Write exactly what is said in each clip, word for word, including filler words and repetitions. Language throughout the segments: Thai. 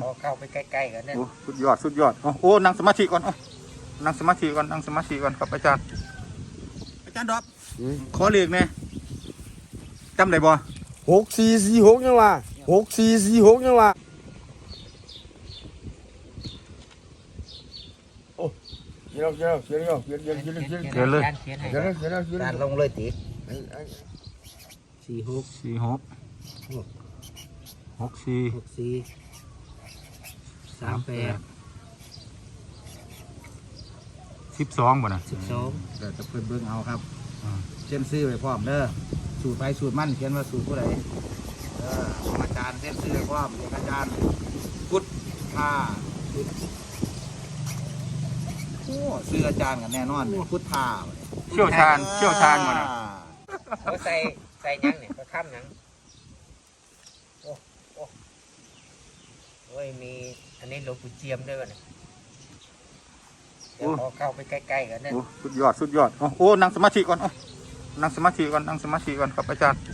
เข้าไปใกล้ๆกันเนี่ยโอ้สุดยอดสุดยอดโอ้นั่งสมาธิก่อนนั่งสมาธิก่อนนั่งสมาธิก่อนครับอาจารย์อาจารย์ดอบขอเรียกแน่จำได้บ่หกสี่สี่หกยังวะหกสี่สี่หกยังวะโอ้เขียนเขียนเขียนเขียนเขียนเขียนเขียนเขียนเขียนเลยเขียนให้เขียนเขียนเขียนการลงเลยติสี่หกสี่หกหกสี่หกสี่สามแปดสิบสองบ่นะสิบสองเดี๋ยวจะเพิ่นเบิ่งเอาครับเช่นซื้อไว้พร้อมเด้อสูตรไปสูตรมั่นเขียนว่าสูตรผู้ใดเออของอาจารย์เช่นซื้อไว้พร้อมเรียกอาจารย์พุทธาโอ้ซื้ออาจารย์กันแน่นอนพุทธาเชี่ยวชาญเชี่ยวชาญบ่นะเขาใส่ใส่ยังเนี่ยเขาค้ำยังโอ้โอ้โอ้ยมีอันนี้หลวงปู่เจียมด้วยวะเนี่ยเดี๋ยวเขาเข้าไปใกล้ๆกันเนี่ยโอ้สุดยอดสุดยอดโอ้นั่งสมาธิก่อนนั่งสมาธิก่อนนั่งสมาธิก่อนครับอาจารย์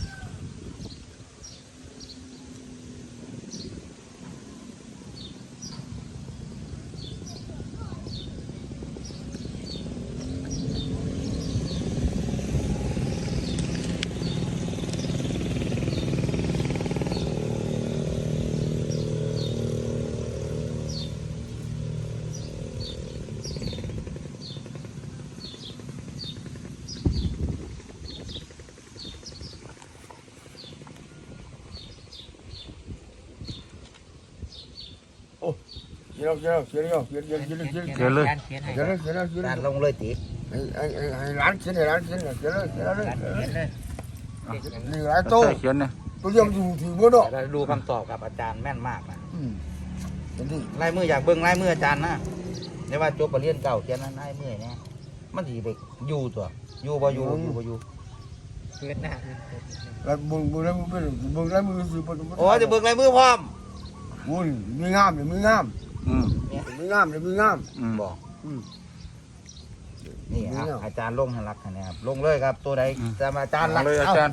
เขียนเขียนเขียนเขียนเขียนเขียนเขียนเขียนเลยเขียนให้เขียนเขียนเขียนการลงเลยติให้ให้ให้ร้านเขียนให้ร้านเขียนเขียนเขียนเลยการเขียนเลยนี่ร้านโตใส่เขียนเนี่ยตัวยังอยู่ถึงบ่เนาะเราดูคำตอบกับอาจารย์แม่นมากนะอืมเป็นที่ลายมืออยากเบิ่งลายมืออาจารย์นะเดี๋ยวว่าจบปรริญญาเก่าเขียนนั้นลายมือเนี่ยมันสิไปอยู่ตัวอยู่บ่อยู่อยู่บ่อยู่เกิดหน้าแล้วมึงมึงแล้วมึงเป็นมึงแล้วมึงสิบ่โอ้จะเบิ่งลายมือพร้อมมึงมีงามเนี่ยมีงามอืมมีงามเนี่ยมีงามอืมบอกอืมนี่นี่อ่ะเนาะอาจารย์ลงให้รักคะแนนครับลงเลยครับตัวใดจะมาอาจารย์รักเลยอาจารย์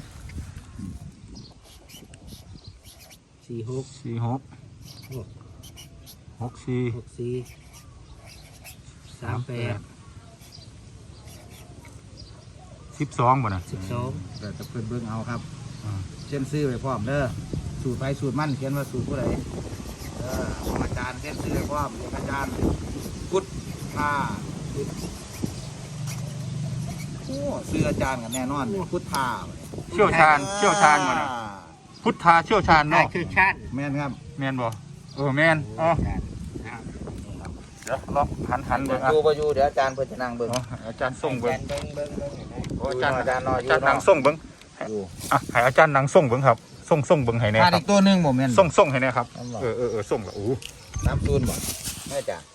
สี่หกสี่หกหกสี่หกสี่สามแปดสิบสองบ่นะสิบสองเดี๋ยวจะเพิ่นเบิ่งเอาครับเช่นซื้อไว้พร้อมเด้อสูตรไปสูตรมั่นเขียนว่าสูตรผู้ใดเออของอาจารย์เช่นซื้อไว้พร้อมเรียกอาจารย์พุทธาโอ้ซื้ออาจารย์กันแน่นอนพุทธาเชี่ยวชาญเชี่ยวชาญบ่นะพุทธาเชี่ยวชาญน่าเนาะคือชาติแม่นครับแม่นบ่เออแม่นอ๋อเดี๋ยวลองหันหันเบิ่งอ่ะอยู่บ่อยู่เดี๋ยวอาจารย์เพิ่นจะนั่งเบิ่งอ๋ออาจารย์ส่งเบิ่งเบิ้งเบิ้งเบิ้งเห็นไหมโอ้อาจารย์อาจารย์นอนอยู่อาจารย์นั่งส่งเบิ่งอยู่อ่ะให้อาจารย์นั่งส่งเบิ่งครับส่งส่งเบิ่งให้แน่ขาดครัอีบกตัวหนึงบ่แม่นส่งส่งให้แน่ครับนั่นบ่เออเออเออส่งละโอ้น้ำซูนบ่แม่จ้ะ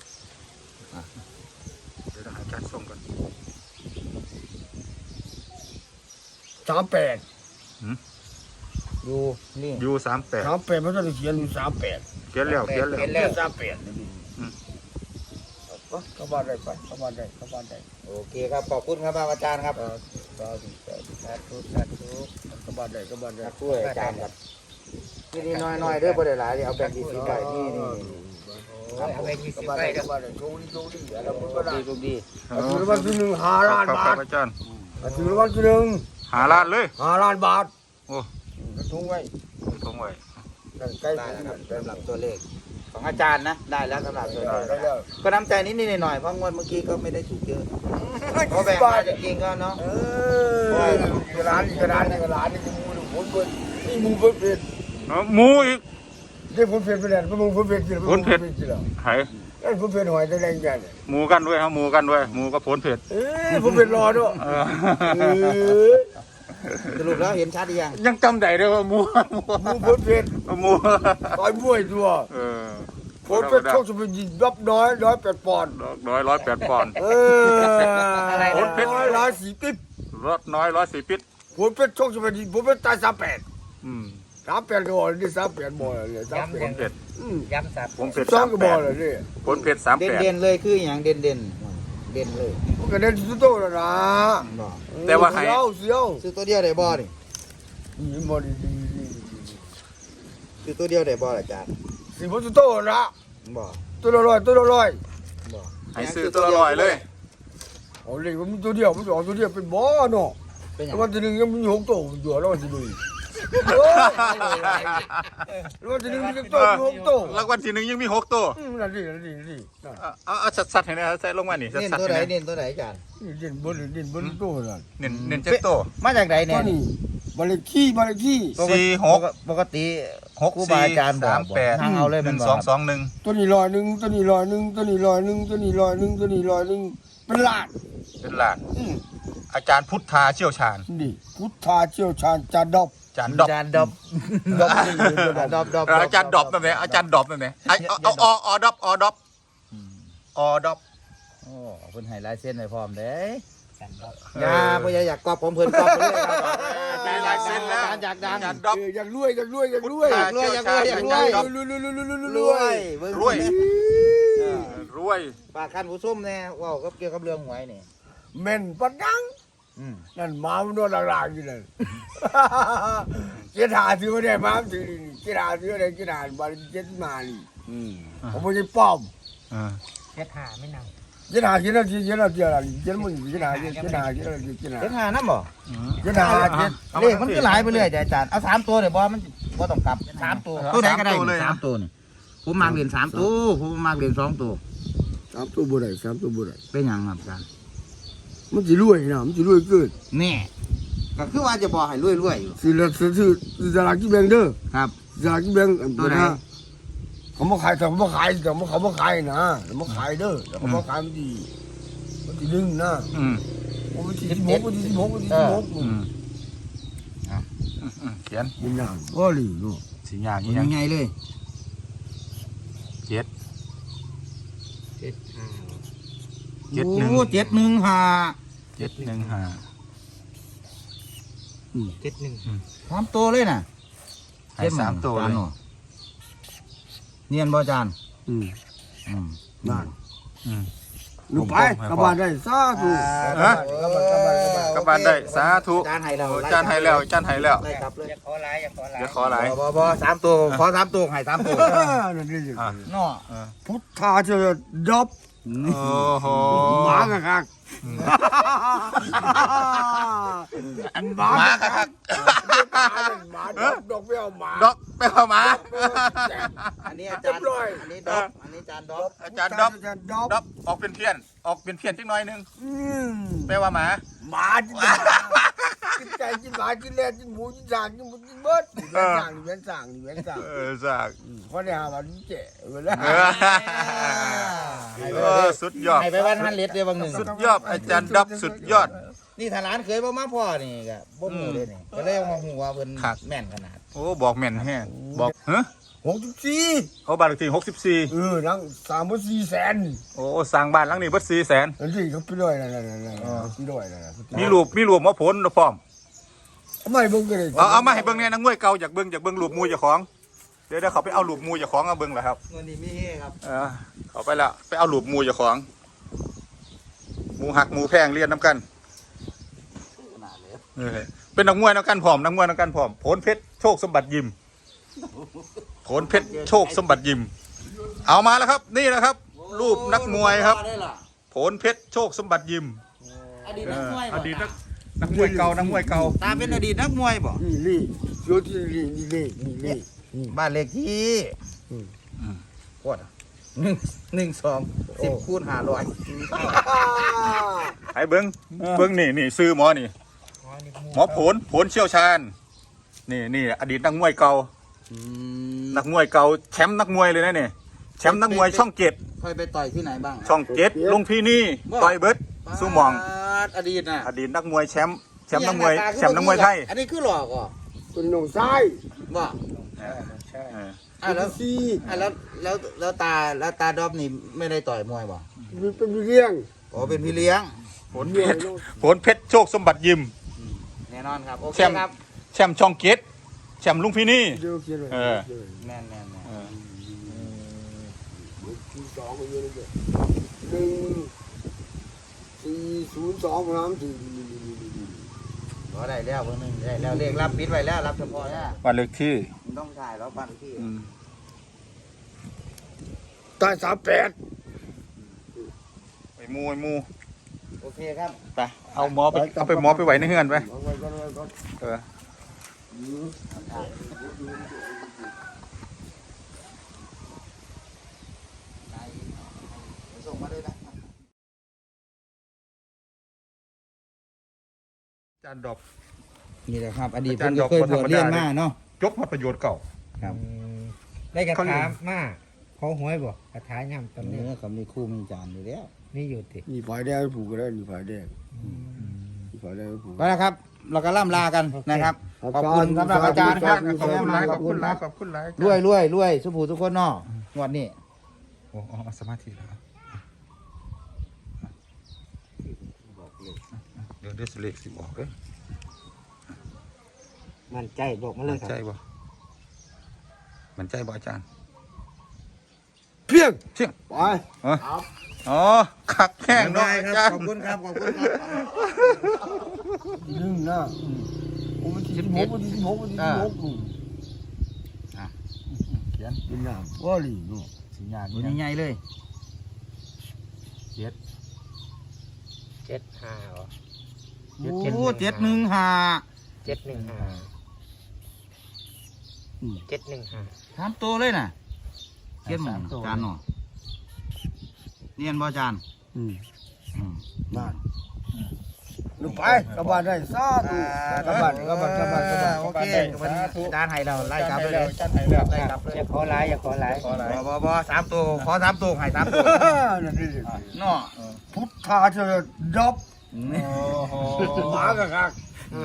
เดี๋ยวให้อาจารย์ส่งก่อนสามแปดอยู่นี่ยูสามแปดสามแปดมันต้องเขียนอยู่สามแปดเขียนแล้วเขียนแล้วเขียนสามแปดเข้าบ้านได้ไปเข้าบ้านได้เข้าบ้านได้โอเคครับขอบคุณครับอาจารย์ครับสาธุสาธุสาธุสาธุเข้าบ้านได้เข้าบ้านได้ช่วยอาจารย์ครับนี่นี่น้อยๆเด้อบ่ได้หลายเดี๋ยวเอาแบ่งที่สิบใบนี่นี่โอ้ยเอาไปยี่สิเข้าบบ้านใบได้เด้อเข้าบ้านได้โชคดีโชคดีแล้วมึงโชก็คได้ดีโชคดีถือวันที่หนึ่งห้าล้านครับบาครัทบอาจารย์ถือวันที่หนึ่งหาล้านเลยห้าล้านบาทโอ้กระทุ่งไว้ทงไว้ใกล้ได้ถึงแล้วครับสำหรับตัวเลขของอาจารย์นะได้แล้วสำหรับตัวเลขได้แล้วก็น้ำใจนิดนิดหน่อยๆเพราะงวดเมื่อกี้ก็ไม่ได้ถูกเยอะเพราะแบ่งมาจริงๆก็เนาะเออร้านนี่ร้านนี่ร้านนี่มูนี่ผมเปิดนี่มูเปิดเป็นเอาหมูอีกเดี๋ยวผมเป็นไปแล้วผมผมเป็นจริงผลเผ็ดจริงแล้วหายไอ้ผมเป็นหอยแดงๆกันหมูกันด้วยครับหมูกันด้วยหมูกับผลเผ็ดเอ้ยผมเป็นรอด้วยเออเออสรุปแล้วเห็นชัดหรือยังยังจำได้เลยว่าหมูหมูมูเปิดเป็นหมูต่อยมวยตัวเออผมเป็นโชคจะเป็นยิงรับน้อยร้อยแปดปอนด์ร้อยร้อยแปดปอนด์เออร้อยร้อยสี่ปิ๊บรถน้อยร้อยสี่ปิดผมเป็นโชคจะเป็นยิงผมเป็นตายสามแปดอืมสามแปดก็บอกเลยสามแปดบอกเลยสามแปผดลเผ็ดย้ำสับผลเผ็ดสอสาง มก็แปบอกดเลยนี่ผลเผ็ดสามเด่นแปดเด่นๆเลยคืออย่างเด่นเด่นเด่นเลยผมก็เล่นสุดโต้แล้วนะบอกแต่ว่าให้เสียวเสียวซื้อตัวเดียวได้บ่นี่นี่บอดีดีดีซื้อตัวเดียวได้บ่อาจารย์สสี่พันโตละบ่ตัวละร้อยตัวละร้อยบ่ให้ซื้อตัวละร้อยเลยเอาเลยมันมีตัวเดียวมันสองตัวเดียวเป็นบ่เนาะเป็นหยัแล้งววันที่หนึ่งยังมีหกตัวอยู่แล้ววันที่หนึ่งโอ้ยแล้ววันที่หนึ่งมีตัวมีหกตัวรางวัลที่หนึ่งยังมีหกตัวอืมนั่นดินั่นดินั่นดินั่นเอาเอาเอาสัดๆให้หนะใส่ลงมานี่เน้นสัดตัวๆไหนให้นะเน้นตัวไหนอาจารย์นี่เด่นบนเด่นบนตัวนั่นเน้นเน้นเจ็ดตัวมาจากไหนตัเนี่วย นี้บาเลขี้บาเลขี้สี่หกปกติหกครูบาสี่อาจารย์บอกสามแปดทางเอาเลยหมันึ่นงบสออก งสองหนึ่งตัวนี้ร้อยหนึ่งตัวนี้ร้อยหนึ่งตัวนี้ร้อยหนึ่งตัวนี้ร้อยหนึ่งตัวนี้ร้อยหนึ่งเป็นล้านเป็นหลานอืมอาจารย์พุทธาเชี่ยวชาญนี่พุทธาเชี่ยวชาญจาดอบอาจารย์ดอบอาจารย์ดอบดอบนี่ดอบดอบดอบเอออาจารย์ดอบนั่นแหละอาจารย์ดอบนั่นแหละไอ้เอาเอาเอาออดอบออดอบออดอบโอ้เพิ่นให้ลายเส้นให้พร้อมเด้กันดอกอย่าบ่อย่าอยากกอบผมเพิ่นกอบไปเลยครับมีลายเซ็นแล้วอาจารย์อยากดังอาจารย์ดอบเอออยากรวยอยากรวยอยากรวยพุทธาเชี่ยวชาญอยากรวยอาจารย์ดอบรวยรวยรวยรวยรวยรรววยยเบิ่งรวยเออรวยฝากคันผู้ชมแน่เว้ากับเกี่ยวกับเรื่องหวยนี่แม่นปัดดังอืมนั่นหมามันโดนหลากๆอยู่นั่นเจ็ดหาซื้อมาได้หมามันถือนี่เจ็ดหาซื้อได้เจ็ดหาบาลีเจ็ดมานี่ผมไม่ใช่ป้อมอ่าเช็ดหาไม่นเจ็ดหาเจ็ดหาเจ็ดหาเจ็ดหาเจ็ดมึงเจ็ดหาเจ็ดเจ็ดหาเจ็ดหาเจ็ดเจ็ดหาเฮ็ดหานํบ่อืมเจ็ดหาเจ็ดเลขมันคือหลายไปเรื่อยแต่อาจารย์เอาสามตัวเดี๋ยวบ่มันบ่ต้องกลับสามตัวตัวไหนก็ได้นี่สามตัวนี่ผมมักเรียนสามตัวผมมักเรียนสองตัวสามตัวบุได้สามตัวบุได้เป็นหยังครับอาจารย์มันจะรวยนะมันจะรวยเกินแน่ก็คือว่าจะบอกให้รวยๆอยู่สิละซื้อซื้อสลากกินแบ่งเด้อครับสลากกินแบ่งตัวไหนเขามาขายแต่เขามาขายแต่เขามาขายนะเขามาขายเด้อแต่เขามาขายมันดีมันดีดึงนะอืมมันดีสิบหกมันดีสิบหกมันดีสิบหกอืมอ่ะอืมอืมเขียนมันอย่างก็หลีเนาะสีอย่างยันี้ยังงไงเลยเจ็ดำเช็ดหาเจ็ดหนึ่งโอ้เจ็ดหนึ่งห้าเจ็ดหนึ่งห้าเจ็ดหนึ่งพร้อมตัวเลยน่ะให้สามตัวจานเลยหน่อเนียนบ่จานอืมอืมนั่นอืมลูกไปกลับบ้านได้สาธุฮะกลับบ้านกลับบ้านกลับบ้านกลับบ้านได้สาธุจานให้แล้วโอ้จานให้แล้วจานให้แล้วได้ครับเลยอย่าขอหลายอย่าขอหลายเดี๋ยวขอหลายบ่บ่สามตัวขอสามตัวให้สามตัวอ่านั่นนี่สิอ่ะเนาะพุทธาเจะดอบโอ้โหหมากะคักหมาหมาคัคักกหมาดอกดอกไม่เอาหมาดอกไปเอาหมาอันนี้อาจารย์อันนี้ดอกอันนี้จานดอกอาจารย์ดอกอาจารย์ดอกดอกออกเป็นเพี้ยน ออกเป็นเพี้ยนจักหน่อยหนึงอืมแปลว่าหมาหมากินหมากินไก่กินหมากินแรดกินหมูกินสางกินหมูกินเบิดนี่แม่นสั่งนี่แม่นสั่งนี่แม่นสั่งเออจากเพราะเนี่ยหาวันนี้เจ๋เวลาเออเออสุดยอดให้ไปวันฮันเล็ดเดียวบางหนึ่งสุดยอดอาจารย์ดอกสุดยอดนี่ถ้าร้านเคยบ่มาพ่อนี่ก็บ่ฮู้เลยนี่ก็เลยเอามาฮู้ว่าเพิ่นครับแม่นขนาดโอ้บอกแม่นแฮะบอกเฮ้ยหกสิบสี่เขาบ้านเลขที่หกสิบสี่เออนั่งสามพันสี่แสนโอ้สร้างบ้านหลังนี้เบิดสี่แสนนั่นสิเขาไปด้วยนั่นนั่นนั่นนั่นไปด้วยนั่นนั่นมีรูปมีรูปหมอผลพร้อมทำไมเบิ่งกันเลยเอาเอามาให้เบิ่งเนี่ยนักมวยเก่าอยากเบิ่งอยากเบิ่งรูปมูเจ้าของเดี๋ยวเดี๋ยวเขาไปเอารูปมูเจ้าของเอาเบิ่งเหรอครับวันนี้มีเฮครับเออเขาไปแล้วไปเอารูปมูเจ้าของหมูหักหมูแพงเรียนน้ำกันขนาดเลยเออเป็นนักมวยน้ำกันผอมนักมวยน้ำกันผอมผลเพชรโชคสมบัติยิมผลเพชรโชคสมบัติยิม เอามาแล้วครับ นี่นะครับ รูปนักมวยครับผลเพชรโชคสมบัติยิมอดีตเอนักอมวยอบ่ดีตนักนักมวยเก่านักมวยเก่าตาเป็นอดีตนักมวยบ่นี่นี่โยที่นี่นี่นี่นี่นี่บ้านเลขที่อืมโคตรหนึ่งหนึ่งสองสิบคูณห้าร้อยไอ้เบิ้งเบิ้งนี่นี่ซื้อหมอนี่อ๋อนี่หมอผลผลเชี่ยวชาญนี่นี่อดีตนักมวยเก่านักมวยเก่าแชมป์นักมวยเลยนะนี่แชมป์นักมวยช่องเจ็ดเคยไปต่อยที่ไหนบ้างช่องเจ็ดลุงพี่นี่ต่อยเบิร์ดสู้หมองอดีตน่ะอดีตนักมวยแชมป์แชมป์นักมวยแชมป์นักมวยไทยอันนี้คือหลอกอ่ะตัวน้องซ้ายบ่ใช่เอออ่ะแล้วสี่อ่ะแล้วแล้วแล้วตาแล้วตาดอบนี่ไม่ได้ต่อยมวยบ่มีเป็นเลี้ยงอ๋อเป็นพี่เลี้ยงผลเพชรผลเพชรโชคสมบัติยิมแน่นอนครับโอเคแชมป์ครับแชมป์ช่องเจ็ดแชมป์ลุงพี่นี่เดี๋ยวเขียนเลยเออแม่นแม่นแม่นเออสี่สองไปเยอะเลยหนึ่งสี่ศูนย์สองน้ำสี่ก็ได้แล้วเบอร์หนึ่งได้แล้วเลขรับปิดไว้แล้วรับเฉพาะเนี่ยวันเลขที่มันต้องถ่ายแล้วบ้านเลขที่อืมตายสามแปดไปมูไปมูโอเคครับไปเอาหมอไปเอาไปหมอไปไหวในเฮือนไปเอาไว้ก่อนเอาไว้ก่อนเออส่งมาด้วยนะอาจารย์ดอกนี่แหละครับอดีตอาจารย์ผมก็เคยดอกบวชเรียนธรรมดามาเนาะยกมาประโยชน์เก่าครับได้กระเขาเรียถาก มาขอหวยบ่กระถาย่ำตอนเนื้นี้อเขามีคู่มีจานอยู่แล้วนี่อยู่ตินี่ฝ่ายแดงผูกก็ได้นี่ฝ่ายแดงนี่ฝ่ายแดงผูกก็นะครับ เราก็ล่ำลากันนะครับครับขอบคุณสำหรับอาจารย์ครับขอบคุณหลายขอบคุณหลายคขรับอบคุณหลายรวยรวยรวยสุภูทุกคนเนาะงวดนี้โอ้เอาสมาธิแล้วเดี๋ยวเดี๋ยวสิเลขสิบอกเด้อมั่นใจบอกมาเลมัยนคใจรับบ่มันใจบ่อาจารย์เพียงเชี่ยงไปอ๋ออ๋อขักแข้งเนาะอาจารย์ขอบคุณครับขอบคุณครับหนึ่งนะโอ้มันสิบหกมันสิบหกมันสิบหกนู่นเขียนเป็นน้ำว่าลีนู่นสัญญาณตัวใหญ่ๆเลยเจ็ดห้าเหรอโอ้เจ็ดหนึ่งห้าเจ็ดหนึ่งห้าเจ็ดหนึ่งห้าสามตัวเลยน่ะเขียนหมองสามตัวจานเนาะเนียนบ่จานอืมอืมบ้านลูกไปกลับบ้านได้ซาดูกลับบ้านกลับบ้านกลับบ้านกลับบ้านโอเควันนี้จานให้เราไล่กลับไปเลยอาจารย์ให้แล้วไล่กลับเลยอย่าขอหลายอย่าขอหลายขอหลายบ่บ่บ่สามตัวขอสามตัวให้สามตัวนั่นนี่เนาะพุทธาจะดับโอ้โหหมากะคัก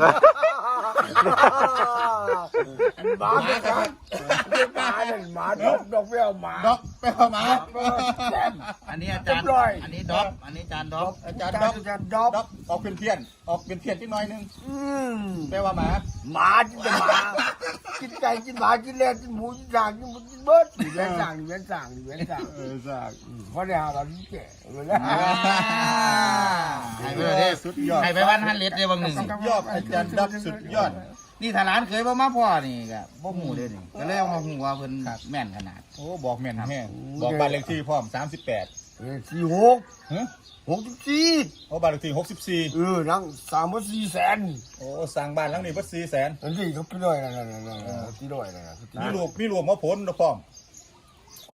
หมากะคักหมาเนี่ยหมาดอกดอกไม่เอาหมาด็อกไปเอามาอันนี้อาจารย์เรียบร้อยอันนี้ด็อกอันนี้จานด็อกอาจารย์อาด็อกจารย์ดอกด็อกออกเป็นเพี้ยนออกเป็นเพี้ยนที่น้อยนึงอืมแปลว่าหมาหมากินแต่หมากินไก่กินหมากินแลกินหมูกินด่างกินหมูกินเบิร์ดนี่เว้นสั่งนี่เว้นสั่งนี่เว้นสั่งเออสั่งเพราะเนี่ยเราแก่เลยนะให้ไปเลยสุดยอดให้ไปวันฮันเลดเดียวบางหนึ่งสุดยอดอาจารย์ด็อกสุดยอดนี่ถ้าร้านเคยบ่มาพ่อนี่ก็บ่หูเลยนี่ก็เลยเอามาหูว่าเพิ่นแม่นขนาดโอ้บอกแม่นแห้งบอกบ้านเลขที่พร้อมสามสิบแปดเออสี่หกฮะหกสิบสี่โอ้บ้านเลขที่หกสิบสี่เออนั่งสามพันสี่แสนโอ้สร้างบ้านหลังนี้เพิ่นสี่แสนนั่นสิเขาพี่ด้วยนั่นนั่นนั่นนั่นพี่ด้วยนั่นมีรวมมีรวมมาผลนะพร้อม